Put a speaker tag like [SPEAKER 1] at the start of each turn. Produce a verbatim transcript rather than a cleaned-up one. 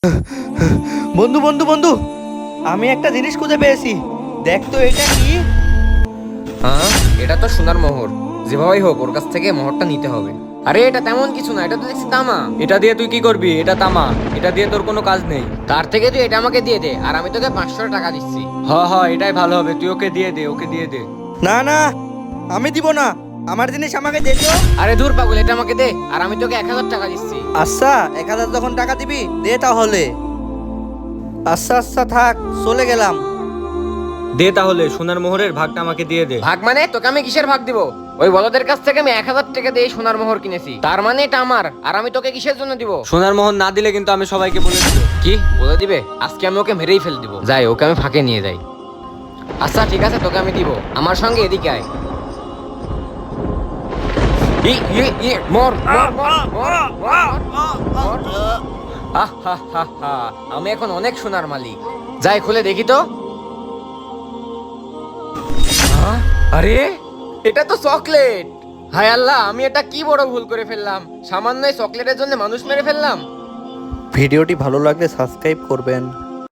[SPEAKER 1] বন্ধু বন্ধু বন্ধু, আমি একটা জিনিস খুঁজে পেয়েছি। দেখ তো এটা কি।
[SPEAKER 2] হ্যাঁ, এটা তো সোনার মোহর। যেভাবেই হোক ওর কাছ থেকে মোহরটা নিতে হবে। আরে এটা তেমন কিছু না, এটা তো দেখছি তামা।
[SPEAKER 3] এটা দিয়ে তুই কি করবি? এটা তামা, এটা দিয়ে তোর কোনো কাজ নেই।
[SPEAKER 2] তার থেকে তুই এটা আমাকে দিয়ে দে, আর আমি তোকে পাঁচশো টাকা দিচ্ছি।
[SPEAKER 3] হ হ, এটাই ভালো হবে, তুই ওকে দিয়ে দে, ওকে দিয়ে দে।
[SPEAKER 1] না না, আমি দিব না, আমার জিনিস আমাকে দে তো।
[SPEAKER 2] আরে ধুর পাগল, এটা আমাকে দে, আর আমি তোকে এক হাজার টাকা দিচ্ছি।
[SPEAKER 1] আচ্ছা, এক হাজার যখন টাকা দিবি দে তাহলে। আচ্ছা আচ্ছা থাক, চলে গেলাম।
[SPEAKER 3] দে তাহলে, সোনার মোহরের ভাগটা আমাকে দিয়ে দে।
[SPEAKER 2] ভাগ মানে? তোকে আমি কিসের ভাগ দিব? ওই বলদের কাছ থেকে আমি এক হাজার টাকা দিয়ে এই সোনার মোহর কিনেছি, তার মানে এটা আমার, আর আমি তোকে কিসের জন্য দিব?
[SPEAKER 3] সোনার মোহর না দিলে কিন্তু আমি সবাইকে বলে দিব।
[SPEAKER 2] কি বলে দিবে? আজকে আমি ওকে মেরেই ফেল দিব। যাই, ওকে আমি ফাঁকে নিয়ে যাই। আচ্ছা ঠিক আছে, তোকে আমি দিব। আমার সঙ্গে এদিকে আয়। ই, ই, ই, মর, মর, মর, মর, মর, মর, মর। আহ, হা, হা, হা। আমি এখন অনেক সোনার মালিক। যাই, খুলে দেখি তো। আহ, আরে এটা তো চকলেট। হায় আল্লাহ, আমি এটা কি বড় ভুল করে ফেললাম। সামান্য এই চকলেটের জন্য মানুষ মেরে ফেললাম।
[SPEAKER 1] ভিডিওটি ভালো লাগলে সাবস্ক্রাইব করবেন।